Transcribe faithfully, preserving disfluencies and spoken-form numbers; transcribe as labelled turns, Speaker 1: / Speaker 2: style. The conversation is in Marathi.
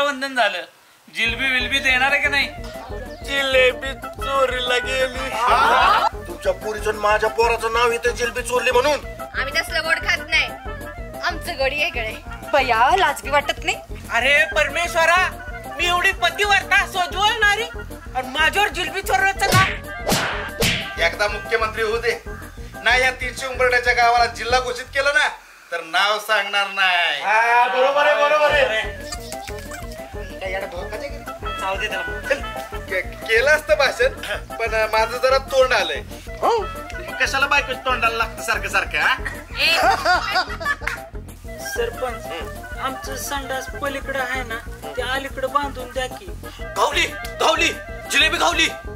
Speaker 1: रक्षाबंधन झालं, जिलबी विलबी देणार आहे का नाही?
Speaker 2: जिलेबी चोरीला गेली. तुमच्या पोरीचं माझ्या पोराचं नाव इथे जिलेबी चोरली म्हणून?
Speaker 3: आम्ही तसलं गोड खात नाही, आमचं गडी आहे कडे.
Speaker 4: बया लाजबी वाटत नाही?
Speaker 5: अरे परमेश्वरा, मी एवढी पतिव्रता सोजवणारी आणि माझ्यावर जिलबी चोरवायचं का?
Speaker 6: एकदा मुख्यमंत्री होऊ दे ना, या तीनशे उंबरड्याच्या गावाला जिल्हा घोषित केलं ना तर नाव सांगणार नाही.
Speaker 2: बरोबर आहे बरोबर आहे.
Speaker 6: केलं असतं भाषण, पण माझं जरा तोंड आलंय. कशाला बायकोच तोंडाला लागतं सारखं सारखं?
Speaker 1: सरपंच, आमचं संडास पलीकडे आहे ना, ते अलीकडे बांधून द्या की.
Speaker 2: गावली गावली जिलेबी गावली.